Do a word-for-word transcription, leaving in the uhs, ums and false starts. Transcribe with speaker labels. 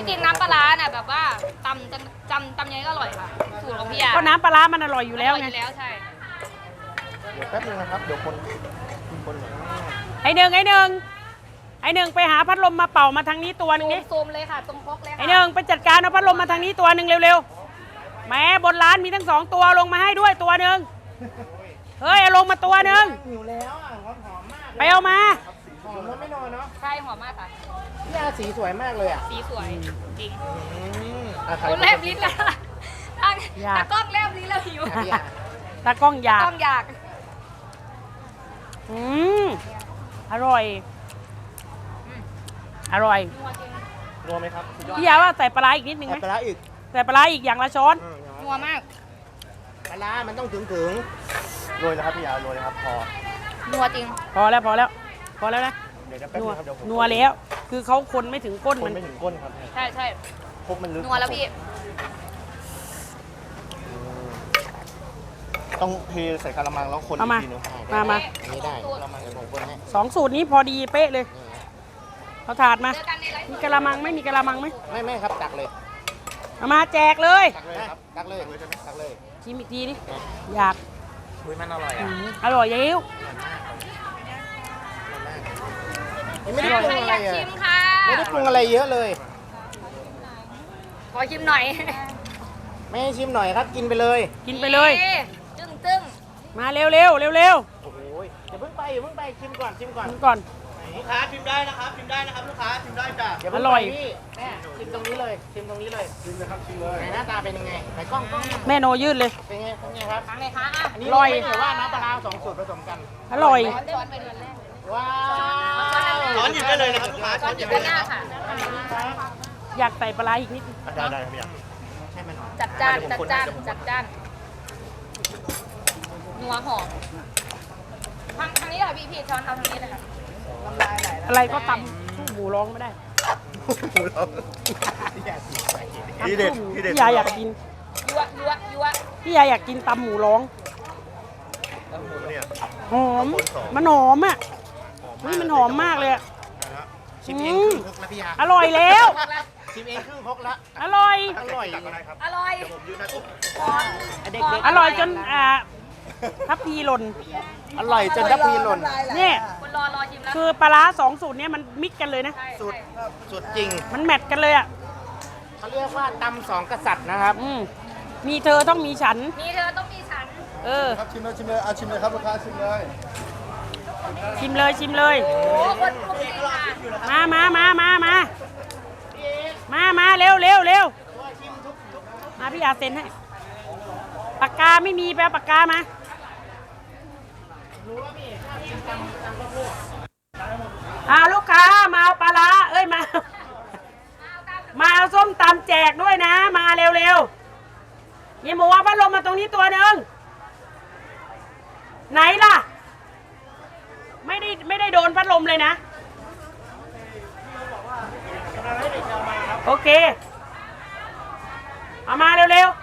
Speaker 1: จริงน้ำปลาร้าน่ะแบบว่าตำจำจำตำยังไงก็อร่อยค่ะสูตรของพี่ยา
Speaker 2: ก็น้ำปลาร้ามันอร่อยอยู่แล้วไง
Speaker 1: แล้วใช่
Speaker 3: เดี๋ยวแป๊บนึงนะครับเดี๋ยวคนคนหน่อย
Speaker 2: ไอหนึ่งไอหนึ่งไอหนึ่งไปหาพัดลมมาเป่ามาทางนี้ตัวหนึงดิ
Speaker 1: ซูมเลยค่ะตรงพกเลยค่ะ
Speaker 2: ไอหนึ่งไปจัดการเอาพัดลมมาทางนี้ตัวหนึ่งเร็วๆแหมบนร้านมีทั้งสองตัวลงมาให้ด้วยตัวหนึ่งเฮ้ยเอาลงมาตัวหนึ่ง
Speaker 3: หิวแล้วอ่ะหอมหอมมาก
Speaker 2: ไปเอามา
Speaker 3: หอมแล้วไม่นอนเนาะ
Speaker 1: ใช่หอมมากค่ะ
Speaker 3: พี่อาสีสวยมากเลยอ่ะ
Speaker 1: สีสวยจริง
Speaker 3: อืมอ่ะใคร
Speaker 1: คุณแลบลิ้นแล้วทางตากล้องแลบลิ้นแล้วหิว
Speaker 3: อ่ะพี่อา
Speaker 2: ตากล้องอยาก
Speaker 1: กล้องอยาก
Speaker 2: อืมอร่อยอร่อย
Speaker 1: นัวจริง
Speaker 3: นัวไหมครับ
Speaker 2: พี่ยาว่าใส่ปลาร้าอีกนิดนึงไหม
Speaker 3: ใส่ปลาร้าอีก
Speaker 2: ใส่ปลาร้าอีกอย่างละช้อน
Speaker 3: อืม
Speaker 1: นัวมาก
Speaker 3: ปลาร้ามันต้องถึงถึงโรยนะครับพี่อาโรยนะครับพอ
Speaker 1: นัวจริง
Speaker 2: พอแล้วพอแล้ว พอแล้วนะ
Speaker 3: เดี๋ยวจะแป๊บ
Speaker 2: นั
Speaker 3: นึ
Speaker 2: ว
Speaker 3: งครับเดี๋ยวผม
Speaker 2: นัวแล้ว คือเขาคนไม่ถึงก้น
Speaker 3: คน
Speaker 2: มัน
Speaker 3: ไม่ถึงก้นครับ
Speaker 1: ใช่ใช่
Speaker 3: พบมันลึก
Speaker 1: นัวแล้วพี่
Speaker 3: อืมต้องเทใส่กะละมังแล้วคน
Speaker 2: เอามา
Speaker 3: อีกทีนึง
Speaker 2: มามา
Speaker 3: อันนี้ได้กะละมังเดี๋ยวผมคนให้
Speaker 2: สองสูตรนี้พอดีเป๊ะเลย
Speaker 3: นี่
Speaker 2: เอาถาดมา
Speaker 1: เจอกันในไลฟ์
Speaker 2: มีกะละมังไหม่มีกะละมังไหม
Speaker 3: ไม่ไม่ครับตักเลย
Speaker 2: เอามาแจกเลย
Speaker 3: ตักเลยครับตักเลยตักเลย
Speaker 2: ชิมอีกทีดิอยาก
Speaker 3: อุ้ยมันอร่อย
Speaker 2: อื
Speaker 3: อ่ะ
Speaker 2: มอร่อยเยิ้ว
Speaker 3: ยังไม่ได้ปรุง
Speaker 1: ใคร
Speaker 3: อะ
Speaker 1: อ
Speaker 3: ไร
Speaker 1: ยาก
Speaker 3: อ่ะ
Speaker 1: ชิมค่ะ
Speaker 3: ไม่ได้ปรุงอะไรเยอะเลย
Speaker 1: ขอชิมหน่อย
Speaker 3: ไม่ให้ชิมหน่อยครับกินไปเลย
Speaker 2: กินไปเลย
Speaker 1: นี่จึ้งจึ้ง
Speaker 2: มาเร็วเร็วเร็วเร็ว
Speaker 3: โอ้โหอย่าเพิ่งไปอย่าเพิ่งไปชิมก่อนชิมก่อน
Speaker 2: กินก่อน
Speaker 3: ลูกค้าชิมได้นะครับชิมได้นะครับลูกค้าชิมได้จ้ะอย่าเพิ่ง
Speaker 2: อร่อย
Speaker 3: ไปพี่แม่ชิมตรงนี้เลยชิมตรงนี้เลยชิมเลยครับชิมเลยไหนหน้าตาเป็นยังไงไหนกล้องกล้อง
Speaker 2: แม่โนยืดเลย
Speaker 3: เป็นไงเป็นไงครับ
Speaker 1: ทางไหนคะอ่ะ
Speaker 3: อันนี้
Speaker 2: อร่อย
Speaker 3: ไม่ได้ว่าน้ำปลาร้าสองสูตรผสมกัน
Speaker 2: อร่อย
Speaker 1: ช้อนไปเดือนแรก
Speaker 3: ว้าว
Speaker 1: ช้อนหยิบได้เลยนะครับ
Speaker 3: ลูกค้า
Speaker 1: ช้อนหยิบด้านหน้าค่ะ
Speaker 2: อยากใส่ปลาร้าอีกนิด
Speaker 3: ได้ได้ครับพี่ใช่ไหมหน่อย
Speaker 1: จัดจ้านจัดจ้านจัดจ้านนัวหอมทางทางนี้ค่ะพี่พี่ช้อนเอาทางนี้เลยค่ะ
Speaker 2: อะไรก็ตำสู้หมูร้องไม่ได้
Speaker 3: ทีเด็ดทีเด็ด
Speaker 2: พี่ยาอยากกิน
Speaker 1: ยั่วยั่วยั่ว
Speaker 2: พี่ยาอยากกินตำหมูร้อง
Speaker 3: เนี่ย
Speaker 2: หอม มันหอมอ่ะนี่มันหอมมากเลยอะ
Speaker 3: ชิมเองครึ่งครกแล้วพี่ยา
Speaker 2: อร่อยแล้ว
Speaker 3: ชิมเองครึ่งครกแล้ว
Speaker 2: อร่อย
Speaker 3: อร่อย
Speaker 1: อร่อย
Speaker 3: เด็ก
Speaker 2: อร่อยจนอ่าทับพีหล่น
Speaker 3: อร่อยจนทับพีหล่น
Speaker 2: เนี่ย
Speaker 1: คนรอรอชิมแล้ว
Speaker 2: คือปลาร้าสองสูตรเนี้ยมันมิกกันเลยนะ
Speaker 1: ใช่
Speaker 3: สุดสุดจริง
Speaker 2: มันแมทกันเลยอ่ะ
Speaker 3: เขาเรียกว่าตำสองกษัตริย์นะครับ
Speaker 2: อืมมีเธอต้องมีฉัน
Speaker 1: มีเธอต้องมีฉัน
Speaker 2: เออ
Speaker 4: ครับชิมเลยชิมเลยเอาชิมเลยครับลูกค้าชิมเลย
Speaker 2: ชิมเลยชิมเลย
Speaker 1: โอ้คนปรุงจริงค่ะ
Speaker 2: มามามามามามามาเร็วเร็วเร็วมาพี่อาเซ็นให้ ปากกาไม่มีแปลปากกามา อ่าลูกค้ามาเอาปลาร้าเอ้ยมา มาเอาส้มตำแจกด้วยนะ มาเร็วเร็วยี่หมูว่าพัดลมมาตรงนี้ตัวหนึ่งไหนล่ะ ไม่ได้ไม่ได้โดนพัดลมเลยนะ โอเค เอามาเร็วๆ